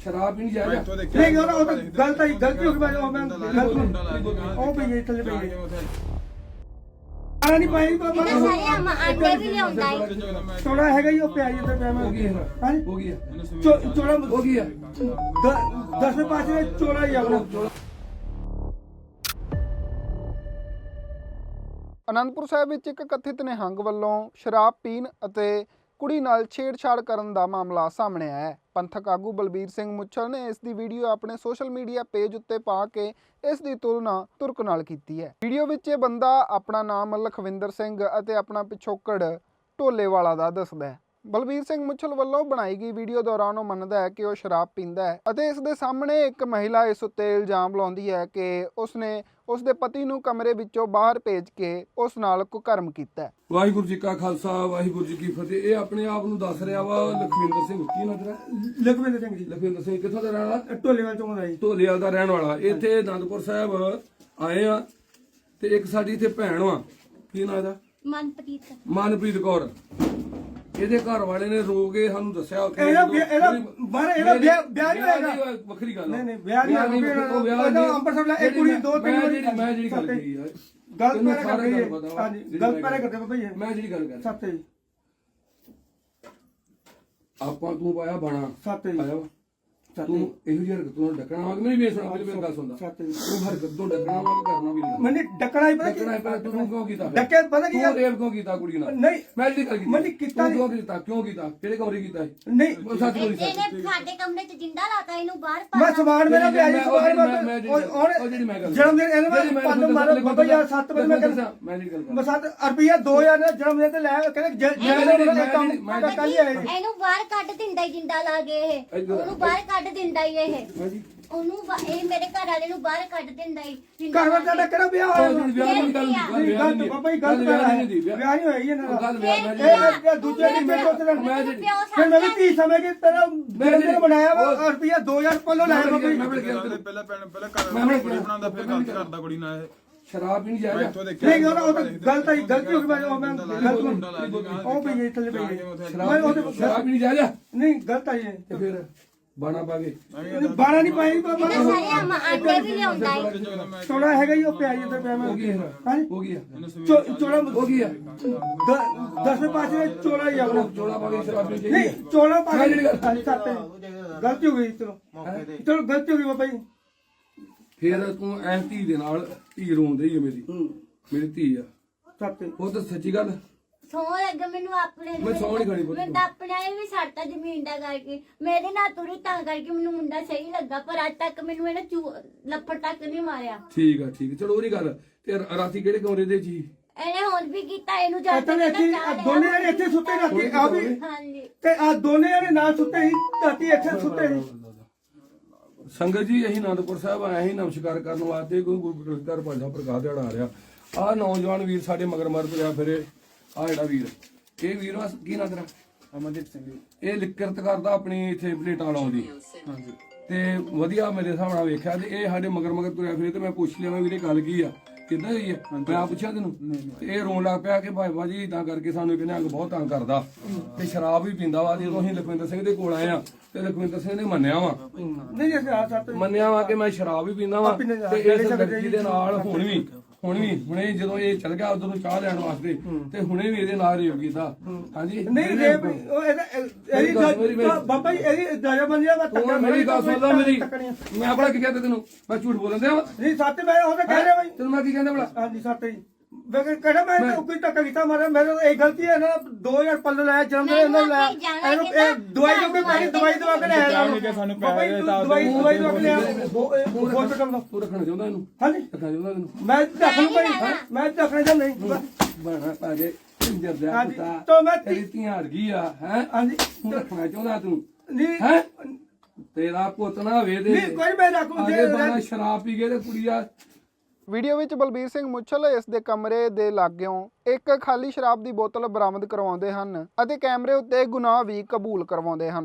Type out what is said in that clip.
शराब भी नहीं जाएगा नहीं वो तो गलती हो गई मैं ओ भई ये थले भई नहीं पाई ਸਾਰੇ ਆਂਡੇ ਵੀ ਲਿਆਉਂਦਾ ਹੈ ਚੋੜਾ ਹੈਗਾ ਹੀ ਉਹ ਪਿਆਜ ਤੇ ਪਿਆ ਮੈਂ हो गया ਹਾਂ हो गया ਚੋੜਾ हो गया 10 में 5 में ਚੋੜਾ ਹੀ ਆਪਣਾ ਅਨੰਦਪੁਰ ਸਾਹਿਬ ਵਿੱਚ ਇੱਕ ਕਥਿਤ ਨਿਹੰਗ ਵੱਲੋਂ ਸ਼ਰਾਬ ਪੀਣ ਅਤੇ ਕੁੜੀ ਨਾਲ ਛੇੜਛਾੜ ਕਰਨ ਦਾ ਮਾਮਲਾ ਸਾਹਮਣੇ ਆਇਆ ਹੈ। ਪੰਥਕ ਆਗੂ ਬਲਬੀਰ ਸਿੰਘ ਮੁੱਛਲ ਨੇ ਇਸ ਦੀ ਵੀਡੀਓ ਆਪਣੇ ਸੋਸ਼ਲ ਮੀਡੀਆ ਪੇਜ ਉੱਤੇ ਪਾ ਕੇ ਇਸ ਦੀ ਤੁਲਨਾ ਤੁਰਕ ਨਾਲ ਕੀਤੀ ਹੈ। ਵੀਡੀਓ ਵਿੱਚ ਇਹ ਬੰਦਾ ਆਪਣਾ ਨਾਮ ਲਖਵਿੰਦਰ ਸਿੰਘ ਅਤੇ ਆਪਣਾ ਪਿਛੋਕੜ ਢੋਲੇਵਾਲਾ ਦਾ ਦੱਸਦਾ ਹੈ। ਬਲਬੀਰ ਸਿੰਘ ਮੁੱਛਲ ਵੱਲੋਂ ਬਣਾਈ ਗਈ ਵੀਡੀਓ ਦੌਰਾਨ ਉਹ ਮੰਨਦਾ ਹੈ ਕਿ ਉਹ ਸ਼ਰਾਬ ਪੀਂਦਾ ਹੈ ਅਤੇ ਇਸ ਦੇ ਸਾਹਮਣੇ ਇੱਕ ਮਹਿਲਾ ਇਸ ਉੱਤੇ ਇਲਜ਼ਾਮ ਲਾਉਂਦੀ ਹੈ ਕਿ ਉਸਨੇ ਉਸਦੇ ਪਤੀ ਨੂੰ ਕਮਰੇ ਵਿੱਚੋਂ ਬਾਹਰ ਭੇਜ ਕੇ ਉਸ ਨਾਲ ਕੁਕਰਮ ਕੀਤਾ। ਵਾਹਿਗੁਰੂ ਜੀ ਕਾ ਖਾਲਸਾ ਵਾਹਿਗੁਰੂ ਜੀ ਕੀ ਫਤਿਹ। ਇਹ ਆਪਣੇ ਆਪ ਨੂੰ ਦੱਸ ਰਿਹਾ ਵਾ ਲਖਵਿੰਦਰ ਸਿੰਘ, ਕੀ ਨਾਂ ਤੇਰਾ? ਲਖਵਿੰਦਰ ਸਿੰਘ ਜੀ। ਲਖਵਿੰਦਰ ਸਿੰਘ ਕਿੱਥੋਂ ਦਾ ਰਹਿਣ ਵਾਲਾ? ਢੋਲੇਵਾਲ ਤੋਂ ਆਇਆ ਜੀ। ਢੋਲੇਵਾਲ ਦਾ ਰਹਿਣ ਵਾਲਾ। ਇੱਥੇ ਅਨੰਦਪੁਰ ਸਾਹਿਬ ਆਏ ਆ ਤੇ ਇੱਕ ਸਾਡੀ ਇੱਥੇ ਭੈਣ ਵਾ, ਕੀ ਨਾਂ ਇਹਦਾ? ਮਨਪ੍ਰੀਤ ਕੌਰ। ਇਹਦੇ ਘਰ ਵਾਲੇ ਨੇ ਰੋ ਕੇ ਸਾਨੂੰ ਦੱਸਿਆ ਉੱਥੇ ਇਹਦਾ ਵਿਆਹ ਨਹੀਂ ਹੋਏਗਾ। ਵੱਖਰੀ ਗੱਲ ਨਹੀਂ ਵਿਆਹ ਨਹੀਂ ਹੋਏਗਾ। ਅੰਮ੍ਰਿਤਸਰ ਦਾ ਇੱਕ ਕੁੜੀ ਦੋ ਤਿੰਨ ਮੈਂ ਜਿਹੜੀ ਗੱਲ ਕੀਤੀ ਆ ਗਲਤ ਪੈਰੇ ਕਰਦੇ ਹਾਂਜੀ ਗਲਤ ਪੈਰੇ ਕਰਦੇ ਬਾਬਾ ਜੀ। ਮੈਂ ਜਿਹੜੀ ਗੱਲ ਕਰ ਸੱਤ ਜੀ ਆਪਾਂ ਤੂੰ ਪਾਇਆ ਬਾਣਾ ਸੱਤ ਜੀ ਆਇਆ ਵਾ ਤੂੰ ਇਹੋ ਜਿਹੀ ਹਰਕਤ ਤੋਂ ਡੱਕਣਾ ਵਾ ਕਿ ਮੇਰੀ ਵੇਸ ਸੁਣਾ ਮੇਰੀ ਗੱਲ ਸੁਣਦਾ ਤੂੰ ਹਰਕਤ ਤੋਂ ਡੱਕਣਾ ਵਾ ਕਿ ਕਰਨਾ ਵੀ ਨਹੀਂ ਮੈਨੂੰ ਡੱਕਣਾ ਹੀ ਪਤਾ ਤੂੰ ਕਿਉਂ ਕੀਤਾ ਡੱਕੇ ਪਤਾ ਕੀ ਤੂੰ ਰੇਪ ਕਿਉਂ ਕੀਤਾ ਕੁੜੀ ਨਾਲ? ਨਹੀਂ ਮੈਂ ਜਿਹੜੀ ਗੱਲ ਕੀਤੀ ਮੈਂ ਕੀਤਾ ਕਿਉਂ ਕੀਤਾ ਕਿਹੜੇ ਕਮਰੇ ਕੀਤਾ ਨਹੀਂ ਸੱਚ ਬੋਲੀ ਸੱਚ ਇਹਨੇ ਸਾਡੇ ਕਮਰੇ 'ਚ ਜਿੰਦਾ ਲਾਤਾ ਇਹਨੂੰ ਬਾਹਰ ਪਾ ਮੈਂ ਸਮਾਨ ਮੇਰਾ ਵਿਆਹ ਜਿਹੜੀ ਮੈਂ ਗੱਲ ਜਨਮ ਦਿਨ ਇਹਨੇ ਪੰਜ ਮਾਰੇ ਬਾਬਾ ਜੀ 7 ਵਜੇ ਮੈਂ ਜਿਹੜੀ ਗੱਲ ਮੈਂ 7 ਰੁਪਿਆ 2000 ਦਾ ਜਨਮ ਦਿਨ ਤੇ ਲੈ ਕਹਿੰਦੇ ਕੰਮ ਕੱਲ ਆਏ ਇਹਨੂੰ ਬਾਹਰ ਕੱਢ ਦਿੰਦਾ ਹੀ ਜਿੰਦਾ ਲਾ ਕੇ ਇਹ ਉਹਨੂੰ ਬਾਹਰ ਕੱਢ ਦਿੰਦਾ ਹੀ ਇਹ ਉਹਨੂੰ ਇਹ ਮੇਰੇ ਘਰ ਵਾਲੇ ਨੂੰ ਬਾਹਰ ਕੱਢ ਦਿੰਦਾ ਹੀ ਘਰ ਵਾਲਾ ਤੁਹਾਡਾ ਕਿਹੜਾ ਵਿਆਹ ਹੋਇਆ ਵਿਆਹ ਨਹੀਂ ਬਾਬਾ ਜੀ ਗਲਤ ਵਿਆਹ ਨਹੀਂ ਹੋਇਆ ਇਹਨਾਂ ਗੱਲ ਦਾ ਇਹ ਦੂਜੇ ਦੀ ਮੇਰੇ ਕੋਲ ਫਿਰ ਮੈਂ ਵੀ 30 ਸਮੇਂ ਕੇ ਤੇਰਾ ਦਿਨ ਬਣਾਇਆ ਵਾ ਰੁਪਿਆ 2000 ਪੱਲੋਂ ਲਾਇਆ ਬਾਬਾ ਜੀ ਪਹਿਲਾਂ ਕੁੜੀ ਬਣਾਉਂਦਾ ਫਿਰ ਗਲਤ ਕਰਦਾ ਕੁੜੀ ਨਾਲ ਇਹ ਸ਼ਰਾਬ ਵੀ ਨਹੀਂ ਜਾਏਗਾ ਨਹੀਂ ਉਹ ਤਾਂ ਗਲਤੀ ਹੋ ਗਈ ਮੈਂ ਗਲਤ ਉਹ ਭਈ ਥੱਲੇ ਭਈ ਸ਼ਰਾਬ ਵੀ ਨਹੀਂ ਜਾਏਗਾ ਨਹੀਂ ਗਲਤ ਆਈ ਹੈ ਤੇ ਫਿਰ ਬਾਣਾ ਪਾ ਕੇ ਬਾਣਾ ਨਹੀਂ ਪਾਈ ਬਾਬਾ ਸਾਰੇ ਆਂਡੇ ਵੀ ਲਿਆਉਂਦਾ ਹੈ ਚੋੜਾ ਹੈਗਾ ਹੀ ਉਹ ਪਿਆਜ ਤੇ ਪਿਆ ਮੈਂ ਹੋ ਗਿਆ ਹਾਂ ਹੋ ਗਿਆ ਚੋੜਾ ਹੋ ਗਿਆ 10 में 5 में चोड़ा ही अपना ਚੋਲਾ ਪਾ ਕੇ ਸ਼ਰਾਬ ਨਹੀਂ नहीं चोड़ा पा मैं ਜਿਹੜੀ ਗੱਲ गलती हो गई चलो चलो गलती हो गई बाबा जी ਫਿਰ ਤੂੰ ਐ ਧੀ ਦੇ ਨਾਲ ਧੀ ਰੋਂਦੀ ਹੈ ਮੇਰੀ ਧੀ ਆ सत्य ਉਹ ਤਾਂ ਸੱਚੀ ਗੱਲ ਸੌ ਲੱਗ ਮੈਨੂੰ ਆਪਣੇ ਮੈਂ ਸਹੁੰ ਨੀ ਖਾਣੀ ਪੁੱਤ। ਮੈਂ ਤਾਂ ਆਪਣੇ ਆਏ ਵੀ ਛੱਡਤਾ ਜ਼ਮੀਨ ਦਾ ਕਰਕੇ ਮੇਰੇ ਨਾਲ ਤੁਰੀ ਤਾਂ ਕਰਕੇ ਮੈਨੂੰ ਮੁੰਡਾ ਸਹੀ ਲੱਗਾ ਪਰ ਅੱਜ ਤੱਕ ਮੈਨੂੰ ਇਹਨੇ ਲੱਫੜ ਤੱਕ ਨਹੀਂ ਮਾਰਿਆ। ਠੀਕ ਆ ਚਲੋ ਉਹਦੀ ਗੱਲ ਤੇ ਰਾਤੀ ਕਿਹੜੇ ਕਮਰੇ ਦੇ ਜੀ ਇਹਨੇ ਹੁਣ ਵੀ ਕੀਤਾ ਇਹਨੂੰ ਜਾ इतने दोनों जने इतने सुते राती आ भी ਹਾਂਜੀ ते आ दोनों जने ना सुते ही राती इतने सुते ही ਸੰਗਤ ਜੀ ਅਸੀਂ ਆਨੰਦਪੁਰ ਸਾਹਿਬ ਆਏ ਸੀ ਨਮਸਕਾਰ ਕਰਨ ਵਾਸਤੇ ਕੋਈ ਗੁਰਪ੍ਰਸਾਦ ਭਾਜਾ ਪ੍ਰਕਾਸ਼ ਦਿਹਾੜਾ ਆ ਰਿਹਾ ਆ ਨੌਜਵਾਨ ਵੀਰ ਸਾਡੇ ਮਗਰ ਮਰ ਤੁਰਿਆ ਫਿਰੇ ਆ ਜਿਹੜਾ ਵੀਰ ਇਹ ਵੀਰ ਕੀ ਨਾਂ ਤੇਰਾ? ਅਮਨਦੀਪ ਸਿੰਘ ਇਹ ਲਿਕਰਤ ਕਰਦਾ ਆਪਣੀ ਇੱਥੇ ਪਲੇਟਾਂ ਲਾਉਂਦੀ ਹਾਂਜੀ ਤੇ ਵਧੀਆ ਮੇਰੇ ਹਿਸਾਬ ਨਾਲ ਵੇਖਿਆ ਤੇ ਇਹ ਸਾਡੇ ਮਗਰ ਤੁਰਿਆ ਫਿਰੇ ਤੇ ਮੈਂ ਪੁੱਛ ਲਿਆ ਵੀਰੇ ਗੱਲ ਕੀ ਆ ਕਿੱਦਾਂ ਹੋਈ ਹੈ ਮੈਂ ਆ ਪੁੱਛਿਆ ਤੈਨੂੰ ਤੇ ਇਹ ਰੋਣ ਲੱਗ ਪਿਆ ਕਿ ਭਾਈ ਜੀ ਇਦਾਂ ਕਰਕੇ ਸਾਨੂੰ ਕਹਿੰਦੇ ਅੰਗ ਬਹੁਤ ਤੰਗ ਕਰਦਾ ਤੇ ਸ਼ਰਾਬ ਵੀ ਪੀਂਦਾ ਵਾ। ਜਦੋਂ ਅਸੀਂ ਲਖਵਿੰਦਰ ਸਿੰਘ ਦੇ ਕੋਲ ਆਏ ਆ ਤੇ ਲਖਵਿੰਦਰ ਸਿੰਘ ਨੇ ਮੰਨਿਆ ਵਾ नहीं जैसे आ सत्य ਮੰਨਿਆ ਵਾ ਕਿ ਮੈਂ ਸ਼ਰਾਬ ਵੀ ਪੀਂਦਾ ਵਾ ਤੇ ਇਸ ਲੜਕੀ ਦੇ ਨਾਲ ਹੁਣੇ ਜਦੋਂ ਇਹ ਚਲ ਗਿਆ ਉਦੋਂ ਨੂੰ ਚਾਹ ਲੈਣ ਵਾਸਤੇ ਤੇ ਹੁਣੇ ਵੀ ਇਹਦੇ ਨਾਲ ਰੇਪ ਕੀਤਾ। ਹਾਂਜੀ नहीं रे बाबा जी एदी दया बन जा ਤੂੰ ਮੇਰੀ ਗੱਲ ਸੁਣ ਲੈ ਮੇਰੀ ਮੈਂ ਆਪਣਾ ਕੀ ਕਹਿੰਦਾ ਤੈਨੂੰ ਮੈਂ ਝੂਠ ਬੋਲਣ ਦਿਆਂ ਵਾ नहीं सत्य मैं हो कह रहे भाई ਤੈਨੂੰ ਮੈਂ ਕੀ ਕਹਿੰਦਾ ਬੜਾ हाँ जी सत्य मैं कहना मैं कोई तक किता मारा मेरे एक गलती है ना 2000 पल्ले लाया जन्म दिन ना लाया दवाई जो भी दवाई दवा के लाया दवाई दवा के लाया हॉस्पिटल में ਤੂੰ ਰੱਖਣਾ ਚਾਹੁੰਦਾ ਇਹਨੂੰ हाँ जी ਰੱਖਣਾ ਚਾਹੁੰਦਾ ਇਹਨੂੰ मैं रख लूं भाई मैं रखने जा नहीं ਬਣਾ ਪਾ ਕੇ ਇੰਜਰ ਦਾ हाँ जी ਪੁੱਤਾ तो मैं ਤੇਰੀ ਧੀਆਂ ਹਰ ਗਈ ਆ ਹੈ हाँ जी ਤੂੰ ਰੱਖਣਾ ਚਾਹੁੰਦਾ ਤੂੰ नहीं ਹੈ ਤੇਰਾ ਪੁੱਤ ਨਾ ਹੋਵੇ ਦੇ नहीं कोई मैं रखूं ਅੱਗੇ ਬਾਣਾ ਸ਼ਰਾਬ ਪੀ ਕੇ ਤੇ ਕੁੜੀਆ ਵੀਡੀਓ ਵਿੱਚ ਬਲਬੀਰ ਸਿੰਘ ਮੁੱਛਲ ਇਸ ਦੇ ਕਮਰੇ ਦੇ ਲਾਗਿਓਂ ਇੱਕ ਖਾਲੀ ਸ਼ਰਾਬ ਦੀ ਬੋਤਲ ਬਰਾਮਦ ਕਰਵਾਉਂਦੇ ਹਨ ਅਤੇ ਕੈਮਰੇ ਉੱਤੇ ਗੁਨਾਹ ਵੀ ਕਬੂਲ ਕਰਵਾਉਂਦੇ ਹਨ।